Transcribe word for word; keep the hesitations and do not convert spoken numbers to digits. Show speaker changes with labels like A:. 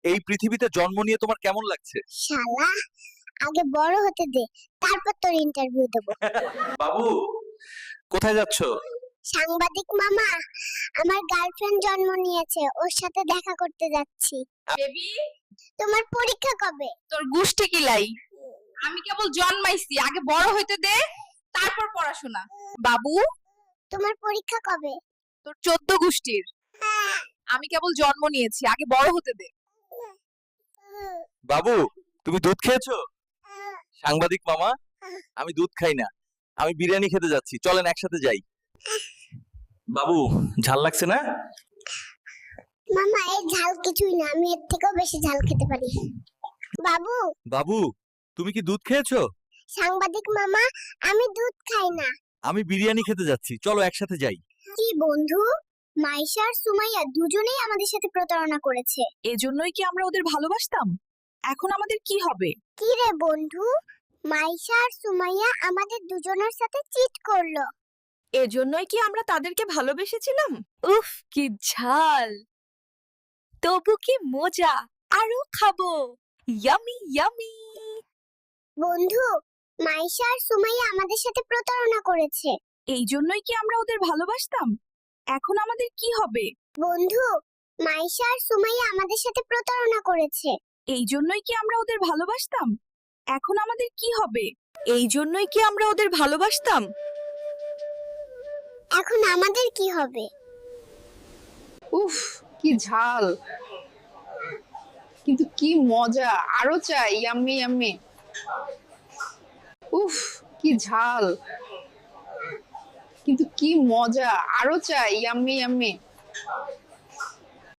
A: এই পৃথিবীতে জন্ম নিয়ে তোমার কেমন লাগছে?
B: শালা, আগে বড় হতে দে, তারপর তোর ইন্টারভিউ দেব।
A: বাবু, কোথায় যাচ্ছ?
B: সাংবাদিক মামা, আমার গার্লফ্রেন্ড জন্ম নিয়েছে, ওর সাথে দেখা করতে যাচ্ছি।
C: বেবি,
B: তোমার পরীক্ষা কবে?
C: তোর গুষ্টি কিলাই। আমি কেবল জন্মাইছি, আগে বড় হইতে দে, তারপর পড়াশোনা। বাবু,
B: তোমার পরীক্ষা কবে?
C: তোর চোদ্দ গুষ্টির। আমি কেবল জন্ম নিয়েছি, আগে বড় হতে দে।
A: বাবু, তুমি দুধ খেয়েছো? সাংবাদিক মামা, আমি দুধ খাই না, আমি বিরিয়ানি খেতে যাচ্ছি, চলেন একসাথে যাই। বাবু, ঝাল লাগছে না?
B: মামা, এই ঝাল কিছুই না, আমি এর থেকেও বেশি ঝাল খেতে পারি। বাবু,
A: বাবু, তুমি কি দুধ খেয়েছো?
B: সাংবাদিক মামা, আমি দুধ খাই না।
A: আমি বিরিয়ানি খেতে যাচ্ছি, চলো একসাথে যাই।
B: কি বন্ধু, মাইশা আর সুমাইয়া দুজনেই আমাদের সাথে প্রতারণা করেছে।
C: এজন্যই কি আমরা ওদের ভালোবাসতাম? এখন আমাদের কি হবে?
B: কি রে বন্ধু, মাইশা আর সুমাইয়া আমাদের দুজনের সাথে চিট করলো।
C: এজন্যই কি আমরা তাদেরকে ভালোবেসেছিলাম? উফ, কি ঝাল, তবু কি মজা, আরো খাবো। Yummy yummy.
B: বন্ধু, মাইশা আর সুমাইয়া আমাদের সাথে প্রতারণা করেছে।
C: এই জন্যই কি আমরা ওদের ভালোবাসতাম? এখন আমাদের কি হবে?
B: বন্ধু, মাইশা আর সুমাইয়া আমাদের সাথে প্রতারণা করেছে।
C: এই জন্যই কি আমরা ওদের ভালোবাসতাম? এখন আমাদের কি হবে? এই জন্যই কি আমরা ওদের ভালোবাসতাম?
B: এখন আমাদের কি হবে?
D: উফ, কি ঝাল, কিন্তু কি মজা, আরো চাই। Yummy yummy. উফ, কি ঝাল, কিন্তু কি মজা, আরো চাই। Yummy yummy.